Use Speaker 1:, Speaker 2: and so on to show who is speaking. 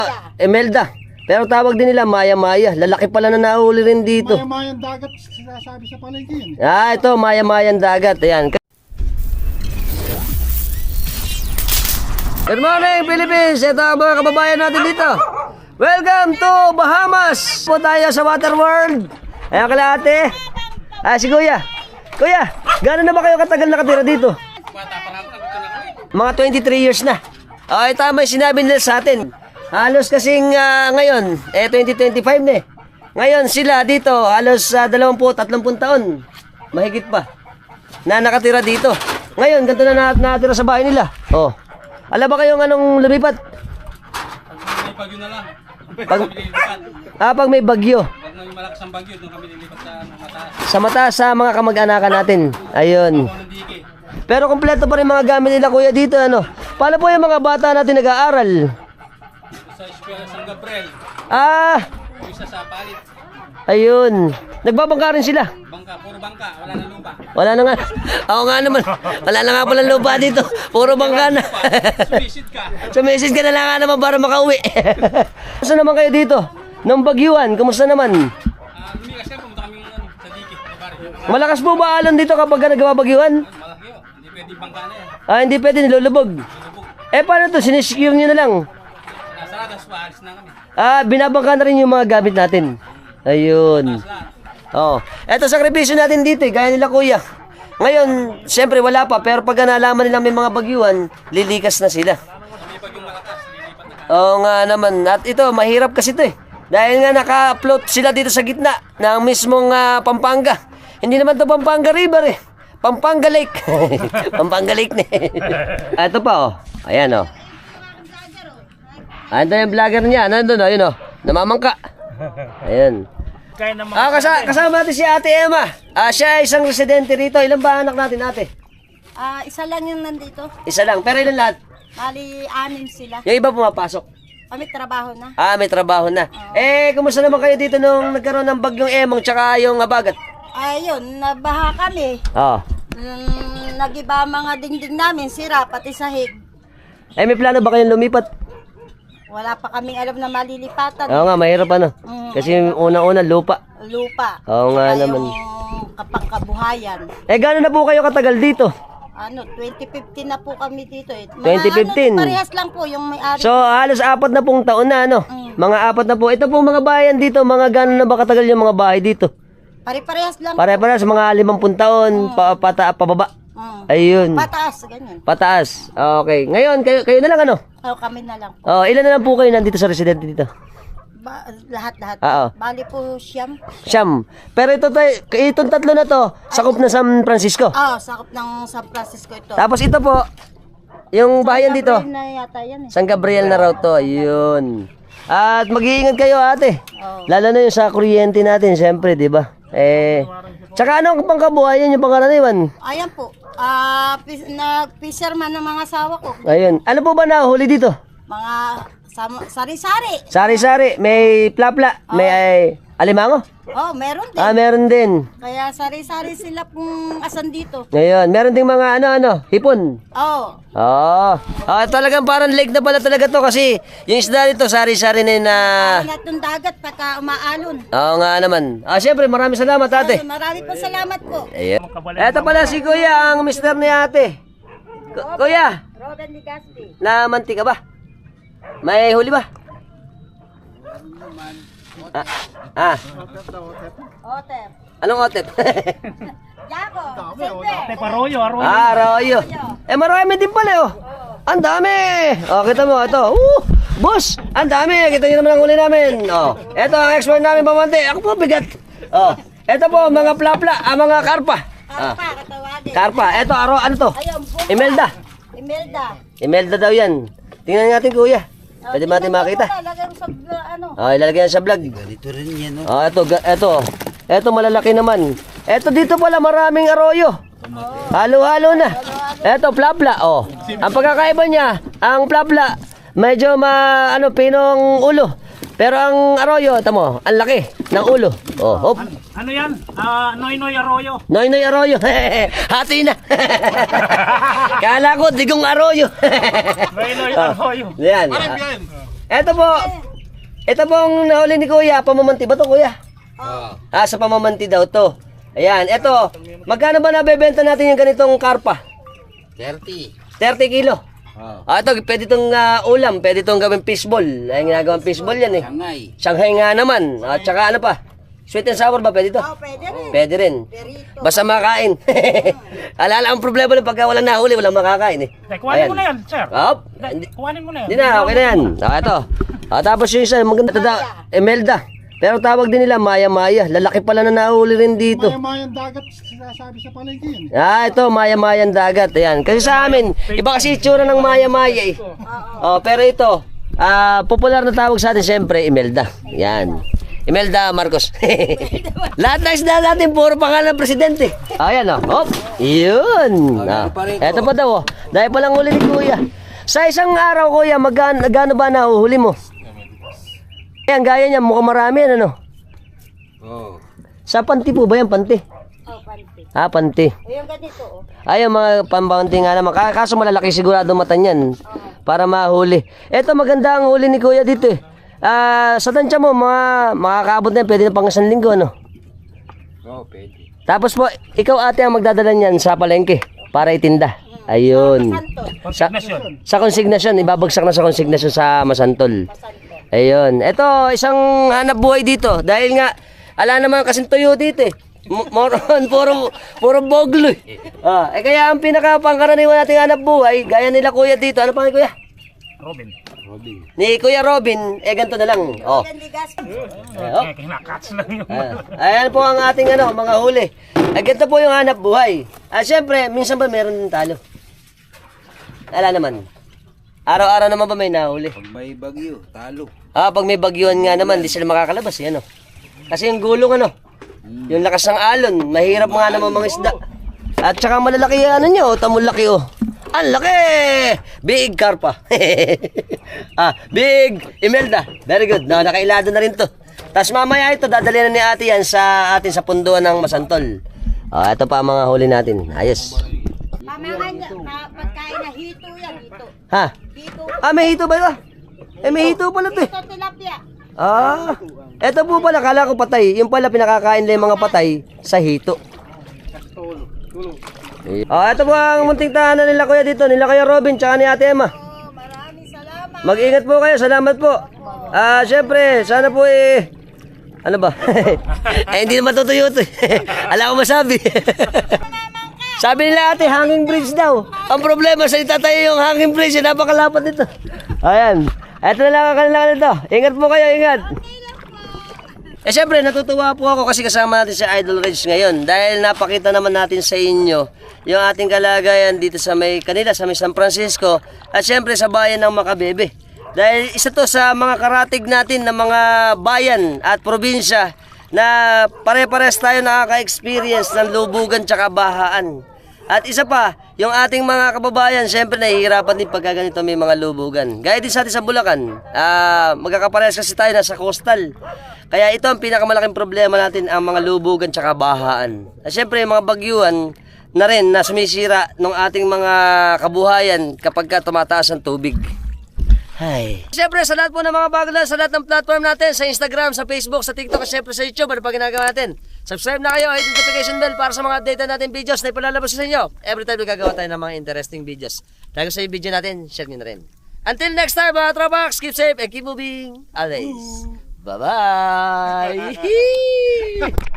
Speaker 1: Imelda. Pero tawag din nila maya-maya. Lalaki pala na nahuli rin dito.
Speaker 2: Maya-mayang dagat, sinasabi sa palengke yun.
Speaker 1: Ito, maya-mayang dagat. Ayan. Good morning, Philippines! Ito ang mga kababayan natin dito. Welcome to Bahamas! Po tayo sa Water World. Ayan kala ate. Si Kuya. Kuya, gano'n na ba kayo katagal nakatira dito? Mga 23 years na. Okay, tama yung sinabi nila sa atin. Halos kasing ngayon, 2025 na eh. Ngayon sila dito, halos 20-30 taon. Mahigit pa. Na nakatira dito. Ngayon, ganito na nakatira sa bahay nila. Oh. Alam ba kayong anong lumipat?
Speaker 3: Pag may bagyo na lang.
Speaker 1: Pag may bagyo.
Speaker 3: Pag may malakas ang bagyo, doon kami lilipat sa mataas.
Speaker 1: Sa mataas sa mga kamag-anakan natin. Ayun. Pero kompleto pa rin mga gamit nila kuya dito ano. Paano po yung mga bata natin nag-aaral?
Speaker 3: Sa eskwela San Gabriel. Isa sa palit.
Speaker 1: Ayun. Nagbabangka rin sila.
Speaker 3: Bangka, puro bangka, wala na lupa.
Speaker 1: Wala na nga. Ako nga naman. Wala na nga pala lupa dito. Puro bangka na.
Speaker 3: Sumisid ka.
Speaker 1: Sumisid ka na lang nga naman para makauwi. Kumusta naman kayo dito? Nung bagyuan, kumusta naman?
Speaker 3: Lumikas ka, pumunta kami sa dike.
Speaker 1: Malakas po ba alon dito kapag nagawa bagyuan?
Speaker 3: Malaki yun. Hindi pwede bangka na yan.
Speaker 1: Hindi pwede, nilulubog. Paano to? Sinisecure nyo na lang.
Speaker 3: Nasaradas pa, alis na kami.
Speaker 1: Binabangka na rin yung mga gamit natin. Ayun. Eto sakripisyo natin dito gaya nila kuya. Ngayon, siyempre wala pa, pero pag nalaman nila may mga bagyuan, lilikas na sila.
Speaker 3: May bagyong malakas, lilipat na kami.
Speaker 1: Oo nga naman. At ito, mahirap kasi ito eh. Dahil nga naka-float sila dito sa gitna ng mismong Pampanga. Hindi naman to Pampanga River eh. Pampanga Lake. Pampanga Lake na eh. Ito pa oh. Ayan oh. Ito yung vlogger niya. Nandun oh, yun oh. Namamangka. Ayan. Kasama natin si Ate Emma. Siya ay isang residente rito. Ilan ba anak natin ate?
Speaker 4: Isa lang yung nandito.
Speaker 1: Isa lang. Pero ilan lahat?
Speaker 4: Bali, 6 sila.
Speaker 1: Yung iba pumapasok.
Speaker 4: May trabaho na.
Speaker 1: May trabaho na. Kumusta naman kayo dito nung nagkaroon ng bagyong Emong tsaka yung Abagat?
Speaker 4: Ayun, nabaha kami. Nagiba mga dingding namin, sira, pati sahig.
Speaker 1: May plano ba kayong lumipat?
Speaker 4: Wala pa kaming alam na malilipatan.
Speaker 1: Oo nga, mahirap ano. Kasi unang-una lupa.
Speaker 4: Lupa.
Speaker 1: Oo nga
Speaker 4: Kaya
Speaker 1: naman.
Speaker 4: yung kapangkabuhayan.
Speaker 1: Gano'n na po kayo katagal dito?
Speaker 4: 2015 na po kami dito eh.
Speaker 1: 2015?
Speaker 4: Parehas lang po yung may-ari.
Speaker 1: So, halos 4 na pong taon na ano? Mga 4 na po. Ito pong mga bayan dito, mga gano'n na ba katagal yung mga bahay dito?
Speaker 4: Pare-parehas lang.
Speaker 1: Pare-parehas, mga 50 taon, pababa. Ayun.
Speaker 4: Pataas, ganyan.
Speaker 1: Pataas. Okay. Ngayon, kayo na lang ano?
Speaker 4: Kami na lang.
Speaker 1: Ilan na lang po kayo nandito sa residente dito?
Speaker 4: Lahat-lahat.
Speaker 1: Oo.
Speaker 4: Bali po siyam.
Speaker 1: Siyam. Pero itong tatlo na to, sakop na San Francisco.
Speaker 4: Sakop ng San Francisco ito.
Speaker 1: Tapos ito po, yung bayan dito.
Speaker 4: San Gabriel na yata yan eh.
Speaker 1: San Gabriel na raw to. Ayun. At mag-iingat kayo ate. Lalo na yung sa kuryente natin, siyempre, di ba? Tsaka anong pangkabuhayan yung pangkaraniwan?
Speaker 4: Ayan po. Nag-fisherman ng mga asawa ko.
Speaker 1: Ayun. Ano po ba nahuli dito?
Speaker 4: Mga sari-sari.
Speaker 1: Sari-sari. May plapla. May alimango.
Speaker 4: Meron din.
Speaker 1: Meron din.
Speaker 4: Kaya sari-sari sila pong asan dito.
Speaker 1: Ngayon, meron ding mga hipon. Talagang parang lake na pala talaga to kasi yung isda dito sari-sari na yun na...
Speaker 4: Lahat ng dagat pagka umaalon.
Speaker 1: Oo nga naman. Siyempre, maraming salamat ate.
Speaker 4: Marami po salamat po.
Speaker 1: Ayan. Ito pala si Kuya, ang mister ni ate. Kuya,
Speaker 4: Rodan Ligaspi.
Speaker 1: namanti ka ba? May huli ba?
Speaker 4: Otep.
Speaker 1: Anong otep?
Speaker 4: Jaco. Silver.
Speaker 2: Arroyo.
Speaker 1: Arroyo. Marami din pala oh. Ang dami. Kita mo ito. Boss, ang dami. Kita niyo naman ang huli namin. Ito ang expert namin pamante. Ako po bigat. Ito po mga plapla, mga karpa.
Speaker 4: Karpa, katawagin.
Speaker 1: Karpa. Ito ano to?
Speaker 4: Ayun,
Speaker 1: Imelda. Imelda daw yan. Tingnan natin kuya. Pwede natin makita.
Speaker 4: Lagay mo sa ano.
Speaker 1: Ilalagay yan sa vlog.
Speaker 3: Ganito rin yan, no?
Speaker 1: Ito malalaki naman. Ito dito pala maraming arroyo. Halo-halo na. Ito plapla. Ang pagkakaiba niya, ang plapla medyo pinong ulo. Pero ang arroyo, tamo, ang laki ng ulo. Hop.
Speaker 2: Ano yan? Noy Arroyo.
Speaker 1: Noy Arroyo. Hati na. Kala ko digong arroyo.
Speaker 2: Noy Arroyo.
Speaker 1: Yan. Ito pong nahuli ni Kuya, pamamanti ba to Kuya?
Speaker 3: Oh.
Speaker 1: Sa pamamanti daw to. Ayan, ito. Magkano ba nabebenta natin yung ganitong karpa?
Speaker 3: 30.
Speaker 1: 30 kilo.
Speaker 3: Oh.
Speaker 1: Ito, pwede itong ulam, pwede itong gawing fishball. Ay, ginagawang fishball yan eh.
Speaker 3: Shanghai.
Speaker 1: Shanghai nga naman. At saka ano pa? Sweet and sour ba? Pwede to?
Speaker 4: Oh, pwede rin.
Speaker 1: Pwede rin.
Speaker 4: Perito.
Speaker 1: Basta makain. Alala, ang problema lang pagka walang nahuli, walang makakain eh.
Speaker 2: Kuhanin mo na yan, sir. Kuhanin mo na yan.
Speaker 1: Hindi na, okay na yan. Ito. Tapos yung isa, maganda daw, Emelda. Pero tawag din nila Maya-Maya. Lalaki pala na nahuli rin dito.
Speaker 2: Maya-mayang dagat sinasabi sa palengke yan eh.
Speaker 1: Ito, Maya-Mayang dagat. Ayan. Kasi sa amin, iba kasi itsura ng Maya-Maya eh. Pero ito, popular na tawag sa atin siyempre, Imelda. Yan. Imelda Marcos. Lahat na isda natin, puro pangalan ng presidente. Ayan o. Yun. Ito pa daw. Dahil palang huli ni Kuya. Sa isang araw, Kuya, magkano ba nahuhuli mo? Ayan, gaya niya, mukhang marami yan, ano?
Speaker 3: Oh.
Speaker 1: Sa panti po ba yan, panti?
Speaker 4: Oh, panty.
Speaker 1: Panti.
Speaker 4: Yung ganito, oh.
Speaker 1: Ay, yung mga pambanti nga naman. Kaso malalaki sigurado mata niyan para mahuli. Ito, maganda ang huli ni Kuya dito eh. Sa tansya mo, makakaabot na yan, pwede na pang 1 linggo, ano?
Speaker 3: Oh, pwede.
Speaker 1: Tapos po, ikaw ate ang magdadala niyan sa palengke para itinda. Ayun.
Speaker 2: Konsignasyon.
Speaker 1: Sa konsignasyon, ibabagsak na sa konsignasyon sa Masantol. Ayun. Ito, isang hanap buhay dito. Dahil nga, ala naman kasing tuyo dito eh. Moron, puro boglo eh. Kaya ang pinakapangkaraniwan nating hanap buhay, gaya nila Kuya dito. Ano pangalan Kuya?
Speaker 2: Robin.
Speaker 1: Ni Kuya Robin, ganito na lang.
Speaker 4: Gandigas.
Speaker 2: Kinakats lang yun.
Speaker 1: Ayan po ang ating mga huli. Ganito po yung hanap buhay. Siyempre, minsan ba meron din talo? Ala naman. Araw-araw naman ba may nahuli?
Speaker 3: Pag may bagyo, talo.
Speaker 1: Pag may bagyuhan nga naman, di sila makakalabas eh, ano? Kasi yung gulong yung lakas ng alon, mahirap nga naman mga isda. At saka malalaki nyo, tamulaki Ang laki! Big karpa. Big Imelda. Very good. Nakailado na rin to. Tapos mamaya ito, dadali na ni ate yan sa atin sa punduan ng Masantol. Ito pa ang mga huli natin. Ayos.
Speaker 4: Pamahan niya, pagkain na hito yan, hito. Hito.
Speaker 1: May hito ba ito? May hito pala ito eh.
Speaker 4: Hito tilapia.
Speaker 1: Ito po pala, kala ko patay. Yung pala pinakakain nila yung mga patay sa hito. Ito po ang munting tahanan nila Kuya dito, nila Kuya Robin, tsaka ni Ate Emma.
Speaker 4: Maraming salamat.
Speaker 1: Mag-ingat po kayo, salamat po. Syempre, sana po ano ba? Hindi naman tutuyo ito eh. Alam ko masabi. Sabi nila ate, hanging bridge daw. Ang problema sa itatayo yung hanging bridge, napakalapat nito. Ayan. Ito na lang ang kanilang nito. Ingat po kayo, ingat. Syempre, natutuwa po ako kasi kasama natin si Idol Reg ngayon. Dahil napakita naman natin sa inyo yung ating kalagayan dito sa may San Francisco. At syempre sa bayan ng Macabebe. Dahil isa to sa mga karatig natin ng mga bayan at probinsya na pare-pares tayo nakaka-experience ng lubugan tsaka bahaan. At isa pa, yung ating mga kababayan, syempre nahihirapan din pagka ganito may mga lubugan. Gaya din sa atin sa Bulacan, magkakaparehas kasi tayo nasa coastal. Kaya ito ang pinakamalaking problema natin, ang mga lubugan tsaka bahaan. At syempre yung mga bagyuhan na rin na sumisira ng ating mga kabuhayan kapag tumataas ang tubig. Hi. Siyempre, sa lahat po ng mga bago na, sa lahat ng platform natin, sa Instagram, sa Facebook, sa TikTok, at siyempre sa YouTube, ano pa ginagawa natin? Subscribe na kayo, hit notification bell para sa mga update natin videos na ipalalabas sa inyo. Every time gagawa tayo ng mga interesting videos. Dahil sa video natin, share nyo na rin. Until next time, mga tropax, keep safe and keep moving always. Bye-bye!